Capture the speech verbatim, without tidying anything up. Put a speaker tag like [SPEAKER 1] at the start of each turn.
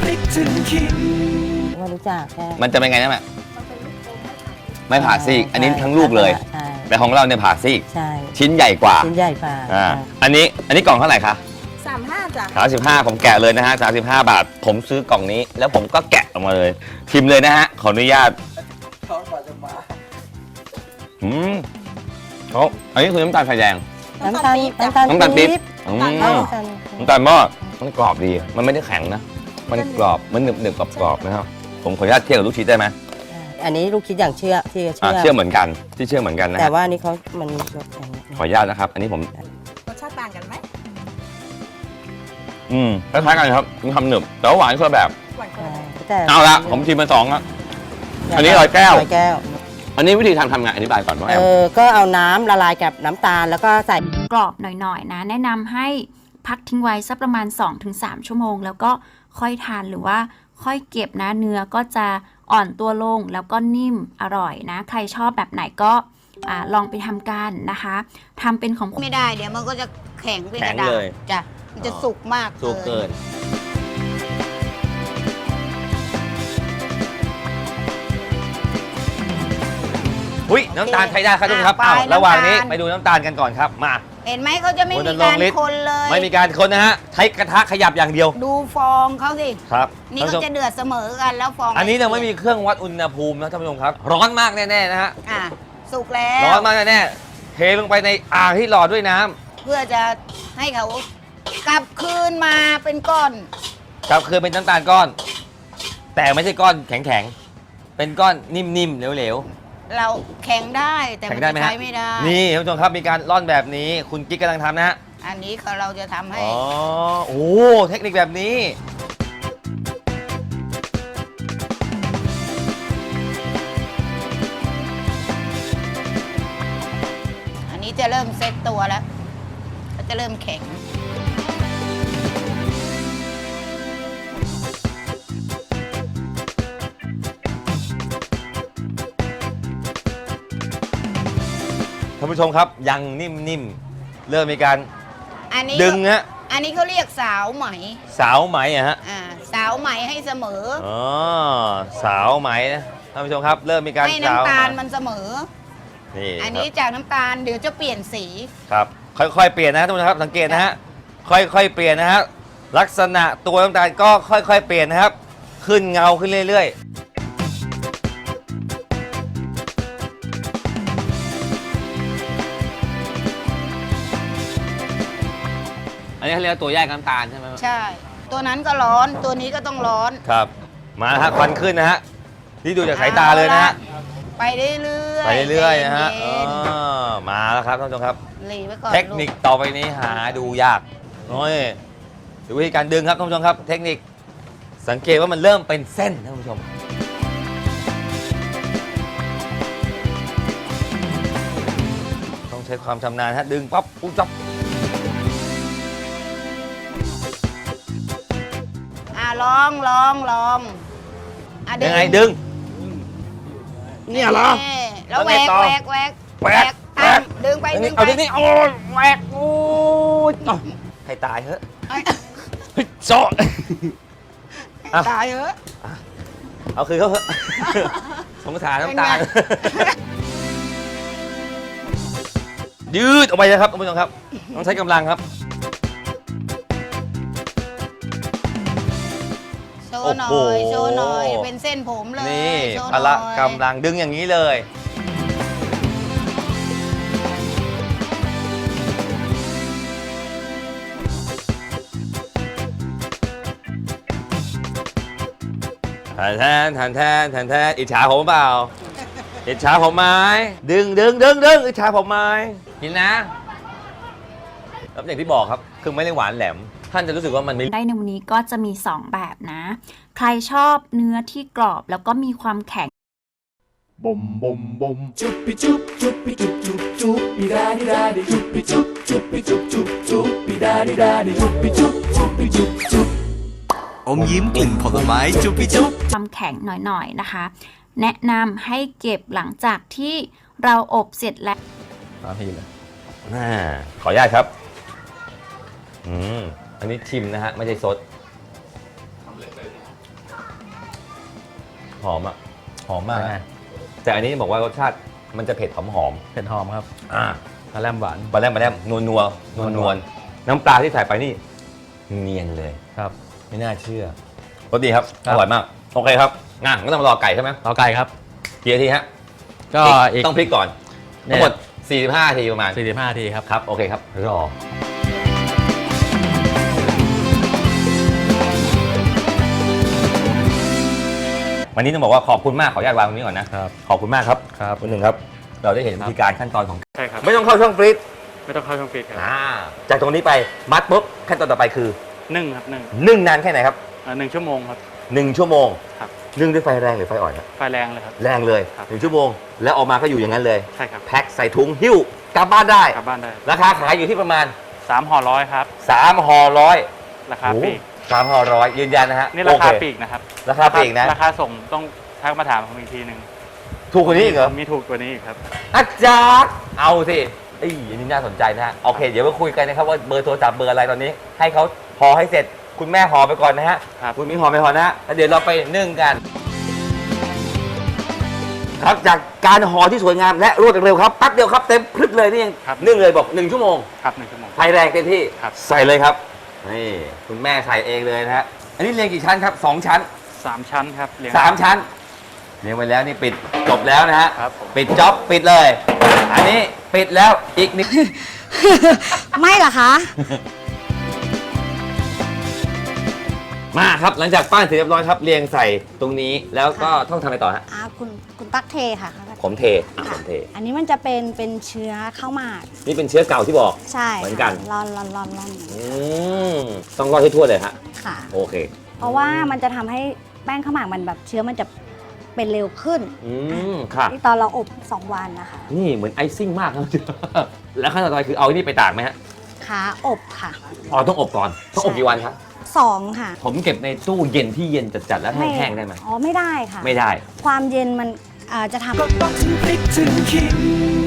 [SPEAKER 1] พริกถึงขิง
[SPEAKER 2] ไม่รู้จักแค่
[SPEAKER 3] มันจะเป็นไงนะแม่ไม่ผ่าซีกอันนี้ทั้งลูกเลยแต่ของเราเนี่ยผ่าซีก
[SPEAKER 2] ใช่
[SPEAKER 3] ชิ้นใหญ่กว่า
[SPEAKER 2] ชิ้นใหญ่กว่า
[SPEAKER 3] อ่าอันนี้อันนี้กล่องเท่าไหร่คะ
[SPEAKER 4] สามห้าจ้ะ
[SPEAKER 3] สามสิบห้าผมแกะเลยนะฮะสามสิบห้าบาทผมซื้อกล่องนี้แล้วผมก็แกะออกมาเลยชิมเลยนะฮะขออนุญาต
[SPEAKER 1] ท้องก่อนจะมา
[SPEAKER 3] อืมเขาอันนี้คือน้ำตาลไฟแดง
[SPEAKER 2] น้ำตาลน้ำตาล
[SPEAKER 3] น้ำตาลปี๊บอืมน้ำตาลหม้อมันกรอบดีมันไม่ได้แข็งนะมันกรอบมันหนึบหนึบกรอบกรอบนะครับผมขออนุญาตเทียบกับลูกชิ้นได้ไหม
[SPEAKER 2] อันนี้ลูกคิดอย่างเชื่อที่เชื่อ
[SPEAKER 3] เชื่อเหมือนกันที่เชื่อเหมือนกันนะ
[SPEAKER 2] แต่ว่านี่เขามัน
[SPEAKER 3] ขออนุญาตนะครับอันนี้ผม
[SPEAKER 4] รสชาติต่างกันไหม
[SPEAKER 3] อืมคล้ายๆกันครับมีความหนึบแต่ว่าหวานคนละแบบเอาละผมชิมมาสองแล้วอันนี้ร้อยแก้ว
[SPEAKER 2] ร้อยแก้ว
[SPEAKER 3] อันนี้วิธีทำทำไงอธิบายก่อนว่า
[SPEAKER 2] เออก็เอาน้ำละลายกับน้ำตาลแล้วก็ใส่
[SPEAKER 5] กรอบหน่อยๆนะแนะนำให้พักทิ้งไว้สักประมาณ สองถึงสาม ชั่วโมงแล้วก็ค่อยทานหรือว่าค่อยเก็บนะเนื้อก็จะอ่อนตัวลงแล้วก็นิ่มอร่อยนะใครชอบแบบไหนก็อ่าลองไปทำกันนะคะทำเป็นของ
[SPEAKER 4] ไม่ได้เดี๋ยวมันก็จะแข็งเป็นกระดาษจ้ะมันจะสุกมาก
[SPEAKER 3] สุกเกินอุ้ยน้ำตาลใช้ได้ครับทุกคนครับอ้าวระหว่างนี้ไปดูน้ำตาลกันก่อนครับมา
[SPEAKER 4] เห็นไหมเขาจะไม่มีการคนเลย
[SPEAKER 3] ไม่มีการคนนะฮะใช้กระทะขยับอย่างเดียว
[SPEAKER 4] ดูฟองเขาสิ
[SPEAKER 3] ครับ
[SPEAKER 4] นี่ก็จะเดือดเสมอกันแล้วฟอง
[SPEAKER 3] อันนี้เราไม่มีเครื่องวัดอุณหภูมินะท่านผู้ชมครับร้อนมากแน่ๆนะฮะ
[SPEAKER 4] อ่ะสุกแล้ว
[SPEAKER 3] ร้อนมากแน่ๆเทลงไปในอ่างที่หล่อด้วยน้ำ
[SPEAKER 4] เพื่อจะให้เขากลับคืนมาเป็นก้อน
[SPEAKER 3] กลับคืนเป็นน้ำตาลก้อนแต่ไม่ใช่ก้อนแข็งๆเป็นก้อนนิ่มๆเหลว
[SPEAKER 4] ๆเราแข็งได้แต่มันใช้ไม่ได้
[SPEAKER 3] นี่ท่านผู้ชมครับมีการร่อนแบบนี้คุณกิ๊กกำลังทำนะฮะ
[SPEAKER 4] อันนี้เราจะทำให้
[SPEAKER 3] อ๋อโอ้เทคนิคแบบนี้
[SPEAKER 4] อันนี้จะเริ่มเซตตัวแล้วก็จะเริ่มแข็ง
[SPEAKER 3] ท่านผู้ชมครับยังนิ่มๆเริ่มมีการดึงฮะ
[SPEAKER 4] อันนี้เขาเรียกสาวไหม
[SPEAKER 3] สาวไหมอะฮะ
[SPEAKER 4] อ่าสาวไหมให้เสมอ
[SPEAKER 3] อ๋อสาวไหมนะท่านผู้ชมครับเริ่มมีการ
[SPEAKER 4] ให้น้ำตาลมันเสมอ
[SPEAKER 3] นี่
[SPEAKER 4] อันนี้จากน้ำตาลเดี๋ยวจะเปลี่ยนสี
[SPEAKER 3] ครับค่อยๆเปลี่ยนนะท่านผู้ชมครับสังเกตนะฮะค่อยๆเปลี่ยนนะฮะลักษณะตัวน้ำตาลก็ค่อยๆเปลี่ยนนะครับขึ้นเงาขึ้นเรื่อยๆอันนี้เขาเรียกตัวแยกน้ำตาลใช่ไหม
[SPEAKER 4] ใช่ตัวนั้นก็ร้อนตัวนี้ก็ต้องร้อน
[SPEAKER 3] ครับมาฮะควันขึ้นนะฮะนี่ดูจากสายตาเลยนะฮะ
[SPEAKER 4] ไปเรื่อย
[SPEAKER 3] ๆไปเรื่อยๆนะฮะมาแล้วครับท่านผู้ชมครับเทคนิคต่อไปนี้หาดูยากน้อยดูวิธีการดึงครับท่านผู้ชมครับเทคนิคสังเกตว่ามันเริ่มเป็นเส้นท่านผู้ชมต้องใช้ความชำนาญฮะดึงปั๊บปุ๊บจับ
[SPEAKER 4] ลองลองลอง
[SPEAKER 3] ยังไงดึงเนี่ยเหรอ
[SPEAKER 4] แล้วแหวกแหวกแหวก
[SPEAKER 3] แหวก
[SPEAKER 4] ดึงไปดึงไป
[SPEAKER 3] เอาดึงนี่โอ้แหวกโอ้ยให้ตายเถอะโซ่
[SPEAKER 4] ตายเถอะ
[SPEAKER 3] เอาคือเขาเถอะสงสารน้ำตาลยืดออกไปเลยครับท่านผู้ชมครับต้องใช้กำลังครับ
[SPEAKER 4] โชว์หน่อยโชว์หน่อยเป็นเส้นผมเลย
[SPEAKER 3] นี่พละกำลังดึงอย่างนี้เลยแทนแทนแทนแทนแทนอิจฉาผมเปล่าอิจฉาผมไหมดึงดึงดึงดึงอิจฉาผมไหมกินนะแล้วอย่างที่บอกครับคือไม่ได้หวานแหลมท่านจะรู้สึกว่ามันไม่
[SPEAKER 5] ได้ในวันนี้ก็จะมีสองแบบนะใครชอบเนื้อที่กรอบแล้วก็มีความแข็ง
[SPEAKER 1] บมบมบมจุบปิจุบจุบปิจุบจุบจุบปิดาดิดาดิจุบปิจุบจุบปิจุบจุบจุบปิดาดิดาดิจุบปิจุบจุบปิจุบจุบอมยิ้มกลิ่นผลไม้จุบปิจุบ
[SPEAKER 5] ความแข็งหน่อยๆนะคะแนะนำให้เก็บหลังจากที่เราอบเสร็จแล้ว
[SPEAKER 3] พี่เลยขออนุญาตครับอืมอันนี้ชิมนะฮะไม่ใช่ซดหอมอ่ะหอมมาก
[SPEAKER 6] ใช่
[SPEAKER 3] แต่อันนี้บอกว่ารสชาติมันจะเผ็ดหอมหอม
[SPEAKER 6] เผ็ดหอมครับ
[SPEAKER 3] ๆอ่า
[SPEAKER 6] ปลาแรมหวาน
[SPEAKER 3] ปลาแรมปลาแรมนัวนัวนัวนัวน้ำปลาที่ใส่ไปนี่เนียนเลย
[SPEAKER 6] ครับ
[SPEAKER 3] ไม่น่าเชื่อรสดีครับ
[SPEAKER 6] ครั
[SPEAKER 3] อบ ร่อยมากโอเคครับงั้นก็ต้องมารอไก่ใช่ไหม
[SPEAKER 6] เอาไก่ครับ
[SPEAKER 3] กี่นาทีฮะ
[SPEAKER 6] ก็อีก
[SPEAKER 3] ต้องพลิกก่อน
[SPEAKER 6] เนี่
[SPEAKER 3] ทั้
[SPEAKER 6] ย
[SPEAKER 3] งหมดสี่สิบห้านาทีประมาณ
[SPEAKER 6] สี่สิบห้านาทีครับ
[SPEAKER 3] ครับโอเคครับรอวันนี้ต้องบอกว่าขอบคุณมากขออนุญาตวางตรงนี้ก่อนนะครับ ขอบคุณมากครับ
[SPEAKER 6] ครับ
[SPEAKER 3] คุณหนึ่งครับ เราได้เห็นวิธีการขั้นตอนของ
[SPEAKER 7] ใช่ครับ
[SPEAKER 3] ไม่ต้องเข้าช่องฟรีซ
[SPEAKER 7] ไม่ต้องเข้าช่องฟรีซครับ
[SPEAKER 3] อ่าจากตรงนี้ไปมัดปุ๊บขั้นตอนต่อไปคือ
[SPEAKER 7] นึ่งครับนึ่ง
[SPEAKER 3] นึ่งนานแค่ไหนครับ
[SPEAKER 7] อ่าหนึ่งชั่วโมงครับ
[SPEAKER 3] หนึ่งชั่วโมง
[SPEAKER 7] ครับ
[SPEAKER 3] นึ่งด้วยไฟแรงหรือไฟอ่อนครับ
[SPEAKER 7] ไฟแรงเลยครับ
[SPEAKER 3] แรงเลย
[SPEAKER 7] ครับ
[SPEAKER 3] หนึ่งชั่วโมงแล้วออกมาก็อยู่อย่างนั้นเลย
[SPEAKER 7] ใช่ครับ
[SPEAKER 3] แพ็คใส่ถุงหิ้วกลับบ้านได้
[SPEAKER 7] กลับบ้านได้
[SPEAKER 3] ราคาขายอยู่ที่ประมาณ
[SPEAKER 7] สามห่อร้อยครับ
[SPEAKER 3] สามห่อร้อย
[SPEAKER 7] ราคาปลีก
[SPEAKER 3] สามห่อร้อยยืนยันนะฮะ
[SPEAKER 7] นี่ราคา
[SPEAKER 3] โอเ
[SPEAKER 7] ปลีกนะครับ
[SPEAKER 3] ราคาปลีกนะ
[SPEAKER 7] ราคาส่งต้องทักมาถามผมอีกทีหนึ่ง
[SPEAKER 3] ถูกกว่านี้อีกเหรอ
[SPEAKER 7] มีถูกกว่านี้อีกครับ
[SPEAKER 3] อาจารย์เอาสิเอ้ยอันนี้น่าสนใจนะฮะโอเค เดี๋ยวมาคุยกันนะครับว่าเบอร์โทรศัพท์เบอร์อะไรตอนนี้ ให้เขาห่อให้เสร็จคุณแม่ห่อไปก่อนนะฮะ
[SPEAKER 7] ครับ
[SPEAKER 3] คุณมิ้งห่อไปก่อนนะฮะแล้วเดี๋ยวเราไปนึ่งกัน ครับจากการห่อที่สวยงามและรวดเร็วครับแป๊บเดียวครับเต็มพลึกเลยนี่ยัง
[SPEAKER 7] ครับ
[SPEAKER 3] นึ่งเลยบอกหนึ่งชั่วโมง
[SPEAKER 7] ครับหนึ่งชั่วโมง
[SPEAKER 3] ไฟแรงเต็มที่
[SPEAKER 7] ครับ
[SPEAKER 3] ใส่เลยครับนี่คุณแม่ใส่เองเลยนะฮะอันนี้เรียงกี่ชั้นครับสองชั้น
[SPEAKER 7] สามชั้นครับเรียง
[SPEAKER 3] สามชั้นเรียงไว้แล้วนี่ปิดจบแล้วนะฮะ
[SPEAKER 7] ครับผม
[SPEAKER 3] ปิดจ็อบปิดเลย อันนี้ปิดแล้วอีกนิด
[SPEAKER 8] ไม่เหรอคะ
[SPEAKER 3] มาครับหลังจากปั้นเสร็จเรียบร้อยครับเรียงใส่ตรงนี้แล้วก็ต้องทำอะไรต่อฮะ
[SPEAKER 8] อ่าคุณคุณตั๊กเทค่ะ
[SPEAKER 3] ผมเทอ่ะผมเท
[SPEAKER 8] อันนี้มันจะเป็นเป็นเชื้อข้าวหมาก
[SPEAKER 3] นี่เป็นเชื้อเก่าที่บอก
[SPEAKER 8] ใช่
[SPEAKER 3] เหมือนกัน
[SPEAKER 8] ร่อนร่อนร่อนร่อน
[SPEAKER 3] อืมต้องรอดให้ทั่วเลยฮะ
[SPEAKER 8] ค่ะ
[SPEAKER 3] โอเค
[SPEAKER 8] เพราะว่ามันจะทำให้แป้งข้าวหมากมันแบบเชื้อมันจะเป็นเร็วขึ้น
[SPEAKER 3] อืมค่ะ
[SPEAKER 8] ที่ตอนเราอบสองวันนะคะ
[SPEAKER 3] นี่เหมือนไอซิ่งมากครับ แล้วขั้นตอนต่อไปคือเอาอันนี่ไปตากไหมฮะ
[SPEAKER 8] ขาอบค่ะ
[SPEAKER 3] อ๋อต้องอบก่อนต้องอบกี่วันครับ
[SPEAKER 8] สองค่ะ
[SPEAKER 3] ผมเก็บในตู้เย็นที่เย็นจัดๆแล้วแห้งๆได้ไหม
[SPEAKER 8] อ๋อไม่ได้ค่ะ
[SPEAKER 3] ไม่ได้
[SPEAKER 8] ความเย็นมันอ่าจะทำ
[SPEAKER 1] ก็ต้องถึงพริกถึงขิง